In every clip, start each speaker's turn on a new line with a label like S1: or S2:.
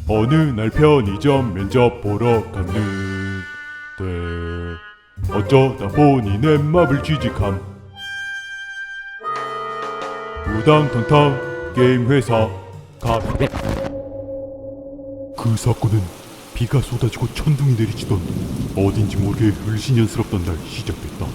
S1: 어느 날 편의점 면접 보러 갔는데 어쩌다 보니 내 맘을 취직함. 우당탕탕 게임 회사 가. 그 사건은 비가 쏟아지고 천둥이 내리치던 어딘지 모르게 을신연스럽던 날 시작됐다.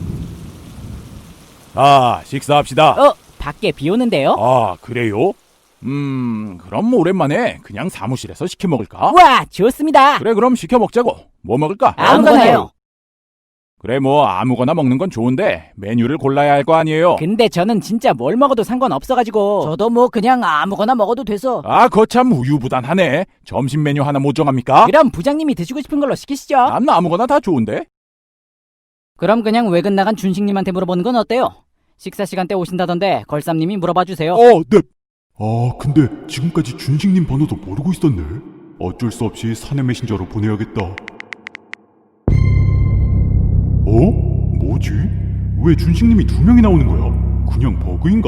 S1: 아, 식사합시다.
S2: 밖에 비 오는데요?
S1: 아, 그래요? 그럼 오랜만에 그냥 사무실에서 시켜 먹을까?
S2: 우와, 좋습니다.
S1: 그래, 그럼 시켜 먹자고. 뭐 먹을까?
S2: 아무거나요.
S1: 그래, 뭐 아무거나 먹는 건 좋은데 메뉴를 골라야 할 거 아니에요?
S2: 근데 저는 진짜 뭘 먹어도 상관없어가지고. 저도 뭐 그냥 아무거나 먹어도 돼서.
S1: 아, 거참 우유부단하네. 점심 메뉴 하나 못 정합니까?
S2: 그럼 부장님이 드시고 싶은 걸로 시키시죠.
S1: 난 아무거나 다 좋은데.
S2: 그럼 그냥 외근 나간 준식님한테 물어보는 건 어때요? 식사 시간 때 오신다던데 걸쌈님이 물어봐 주세요.
S1: 네. 아, 근데 지금까지 준식님 번호도 모르고 있었네. 어쩔 수 없이 사내 메신저로 보내야겠다. 뭐지? 왜 준식님이 2명이 나오는 거야? 그냥 버그인가?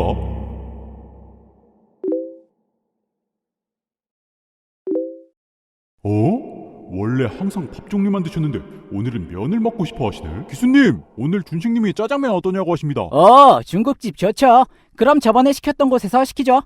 S1: 원래 항상 밥 종류만 드셨는데 오늘은 면을 먹고 싶어 하시네. 기수님, 오늘 준식님이 짜장면 어떠냐고 하십니다.
S2: 중국집 좋죠. 그럼 저번에 시켰던 곳에서 시키죠.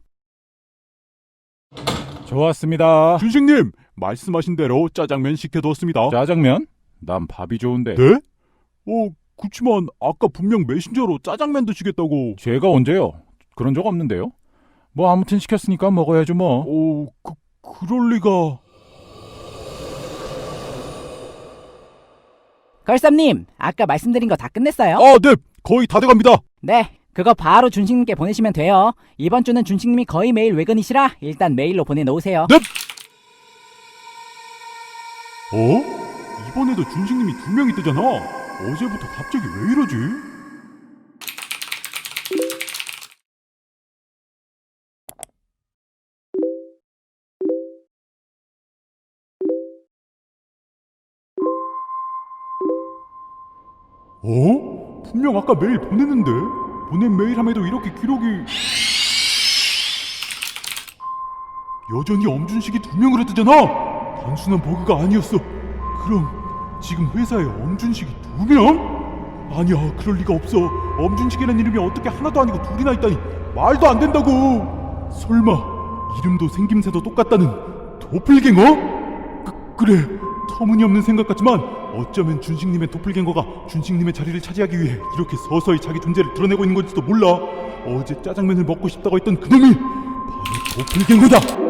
S1: 좋았습니다. 준식님, 말씀하신 대로 짜장면 시켜두었습니다. 짜장면? 난 밥이 좋은데. 네? 그치만 아까 분명 메신저로 짜장면 드시겠다고. 제가 언제요? 그런 적 없는데요. 뭐 아무튼 시켰으니까 먹어야죠 뭐. 그럴 리가.
S2: 걸쌈님, 아까 말씀드린 거 다 끝냈어요?
S1: 네. 거의 다 돼갑니다.
S2: 네, 그거 바로 준식님께 보내시면 돼요. 이번 주는 준식님이 거의 매일 외근이시라 일단 메일로 보내놓으세요.
S1: 네. 이번에도 준식님이 2명이 뜨잖아. 어제부터 갑자기 왜 이러지? 분명 아까 메일 보냈는데? 보낸 메일함에도 이렇게 기록이... 여전히 엄준식이 2명으로 뜨잖아! 단순한 버그가 아니었어. 그럼 지금 회사에 엄준식이 2명? 아니야, 그럴 리가 없어. 엄준식이라는 이름이 어떻게 하나도 아니고 둘이나 있다니 말도 안 된다고. 설마 이름도 생김새도 똑같다는 도플갱어? 그래, 터무니없는 생각 같지만 어쩌면 준식님의 도플갱어가 준식님의 자리를 차지하기 위해 이렇게 서서히 자기 존재를 드러내고 있는 건지도 몰라. 어제 짜장면을 먹고 싶다고 했던 그놈이 바로 도플갱어다.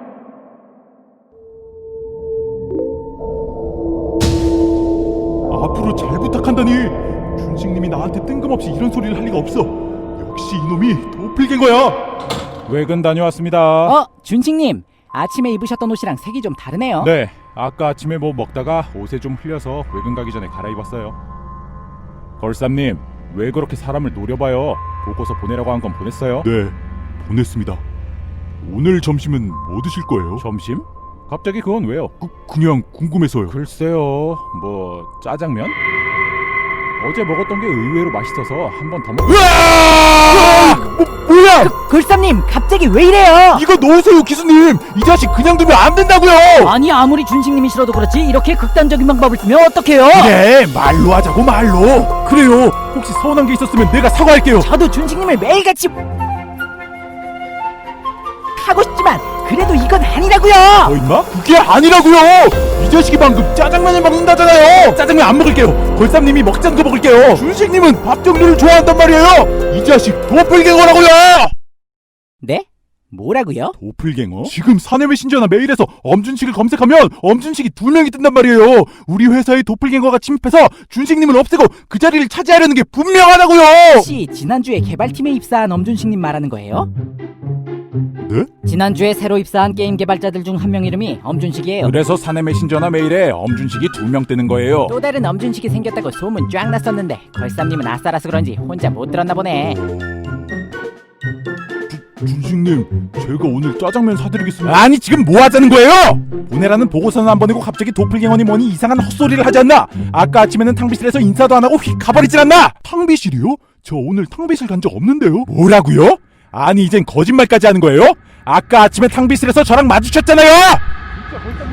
S1: 앞으로 잘 부탁한다니. 준식님이 나한테 뜬금없이 이런 소리를 할 리가 없어. 역시 이놈이 도플갱어야. 외근 다녀왔습니다.
S2: 준식님, 아침에 입으셨던 옷이랑 색이 좀 다르네요.
S1: 네, 아까 아침에 뭐 먹다가 옷에 좀 흘려서 외근 가기 전에 갈아입었어요. 걸쌈님, 왜 그렇게 사람을 노려봐요? 보고서 보내라고 한 건 보냈어요? 네, 보냈습니다. 오늘 점심은 뭐 드실 거예요? 점심? 갑자기 그건 왜요? 그냥 궁금해서요. 글쎄요, 뭐 짜장면? 어제 먹었던 게 의외로 맛있어서 한 번 더 뭐야!
S2: 걸쌈님, 갑자기 왜 이래요?
S1: 이거 놓으세요, 기수님! 이 자식 그냥 두면 안 된다고요!
S2: 아니, 아무리 준식님이 싫어도 그렇지 이렇게 극단적인 방법을 쓰면 어떡해요?
S1: 그래, 말로 하자고, 말로! 그래요, 혹시 서운한 게 있었으면 내가 사과할게요.
S2: 저도 준식님을 매일같이 하고 싶지만 그래도 이건 아니라고요.
S1: 임마? 그게 아니라고요! 이 자식이 방금 짜장면을 먹는다잖아요! 짜장면 안 먹을게요. 걸쌈님이 먹자는 거 먹을게요. 준식님은 밥 종류를 좋아한단 말이에요. 이 자식 도플갱어라고요!
S2: 네? 뭐라고요?
S1: 도플갱어? 지금 사내 메신저나 메일에서 엄준식을 검색하면 엄준식이 2명이 뜬단 말이에요. 우리 회사에 도플갱어가 침입해서 준식님을 없애고 그 자리를 차지하려는 게 분명하다고요!
S2: 혹시 지난주에 개발팀에 입사한 엄준식님 말하는 거예요?
S1: 네?
S2: 지난주에 새로 입사한 게임 개발자들 중 한 명 이름이 엄준식이에요.
S1: 그래서 사내 메신저나 메일에 엄준식이 2명 뜨는 거예요.
S2: 또 다른 엄준식이 생겼다고 소문 쫙 났었는데 걸쌈님은 아싸라서 그런지 혼자 못 들었나 보네.
S1: 준식님, 제가 오늘 짜장면 사드리겠습니다. 아니, 지금 뭐 하자는 거예요? 보내라는 보고서는 안 보내고 갑자기 도플갱어니 뭐니 이상한 헛소리를 하지 않나? 아까 아침에는 탕비실에서 인사도 안 하고 휙 가버리질 않나? 탕비실이요? 저 오늘 탕비실 간 적 없는데요? 뭐라고요? 아니, 이젠 거짓말까지 하는 거예요? 아까 아침에 탕비실에서 저랑 마주쳤잖아요! 진짜 걸쌈님